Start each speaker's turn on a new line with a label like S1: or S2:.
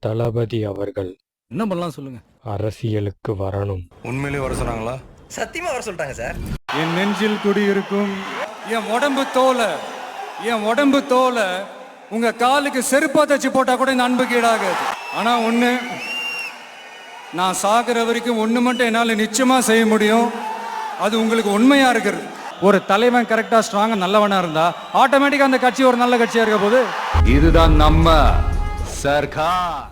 S1: தளபதி அவர்கள்
S2: என்ன பண்ணலாம் சொல்லுங்க.
S1: அரசியலுக்கு வரணும்.
S3: உண்மையிலேயே வர சொன்னாங்களா?
S4: சத்தியமா வர சொல்லிட்டாங்க சார்.
S5: என் நெஞ்சில் குடியிருக்கும் என் உடம்பு தோலை உங்க காலுக்கு செருப்பா தச்சு போட்டா கூட இந்த அன்பு கீழாகாது. ஆனா ஒண்ணு, நான் சாகுற வரைக்கும் ஒண்ணு மட்டும் என்னால நிச்சயமா செய்ய முடியும். அது உங்களுக்கு உண்மையா இருக்கிறது. ஒரு தலைவன் கரெக்டா ஸ்ட்ராங்கா நல்லவனா இருந்தா ஆட்டோமேட்டிக்கா அந்த கட்சி ஒரு நல்ல கட்சியா இருக்க போது.
S2: இதுதான் நம்ம சர்க்கார்.